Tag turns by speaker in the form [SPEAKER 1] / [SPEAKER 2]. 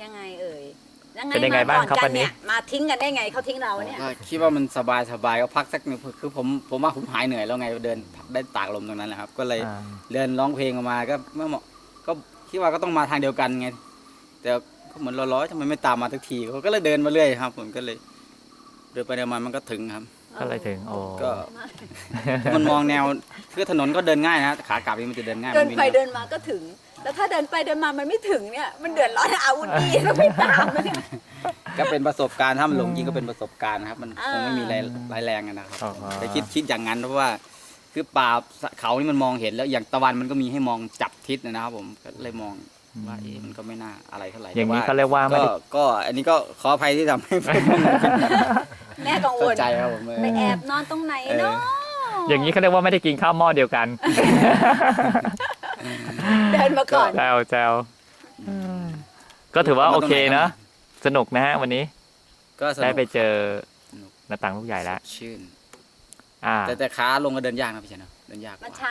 [SPEAKER 1] ยังไงเอ่ย
[SPEAKER 2] เป็นยังไงบ้างครับวันนี้
[SPEAKER 1] มาทิ้งกันได้ไงเขาทิ้งเราเนี่ย
[SPEAKER 3] ก็คิดว่ามันสบายก็พักสักหนึ่งคือผมว่าผมหายเหนื่อยแล้วไงเดินได้ตากลมตรงนั้นแหละครับก็เลยเดินร้องเพลงออกมาก็เมื่อก็คิดว่าก็ต้องมาทางเดียวกันไงแต่ก็เหมือนร้อยๆทำไมไม่ตามมาสักทีเขาก็เลยเดินมาเรื่อยครับผมก็เลยเดินไปเดินมามันก็ถึงครับ
[SPEAKER 2] ก็เลยถึงโอ้
[SPEAKER 3] ก็มันมองแนวคือถนนก็เดินง่ายนะขากลับนี่มันจะเดินง่าย
[SPEAKER 1] เดิน
[SPEAKER 3] มั
[SPEAKER 1] ไป
[SPEAKER 3] วิ่ง
[SPEAKER 1] เดินมาก็ถึง แล้วถ้าเดินไปเดินมามันไม่ถึงเนี่ยมันเดือดร้อนอาวุธดีแล้วไม่ตามมันเนี่ย
[SPEAKER 3] ก็เป็นประสบการณ์ถ้ามันหลงจริงก็เป็นประสบการณ์นะครับมันคงไม่มีรายแรงนะครับแต่คิดอย่างนั้นเพราะว่าคือป่าเขานี่มันมองเห็นแล้วอย่างตะวันมันก็มีให้มองจับทิศนะครับผมก็เลยมองว่ามันก็ไม่น่าอะไรเท่าไหร่
[SPEAKER 2] อย่างนี้เขาเรียกว่าไม่ได้
[SPEAKER 3] ก็อันนี้ก็ขออภัยที่ทำให้ผม
[SPEAKER 1] แม่กังว
[SPEAKER 3] เข้า
[SPEAKER 1] ล
[SPEAKER 3] ใจครับผม
[SPEAKER 1] ไปแอบนอนตรงไหนเนาะ
[SPEAKER 2] อย่างนี้เขาเรียกว่าไม่ได้กินข้าวหม้อเดียวกัน
[SPEAKER 1] เดินมาก่อน
[SPEAKER 2] แจวก็ถือว่าโอเคนะสนุกนะฮะวันนี้
[SPEAKER 3] ก็สนุก
[SPEAKER 2] ได้ไปเจอหน้าต่างลูกใหญ่แล้ว
[SPEAKER 3] ชื่น
[SPEAKER 2] อ่า
[SPEAKER 3] แต่ขาลงก็เดินยากนะพี่ชายเนาะเดินยากก
[SPEAKER 1] มัน
[SPEAKER 3] ว่า
[SPEAKER 1] ช้า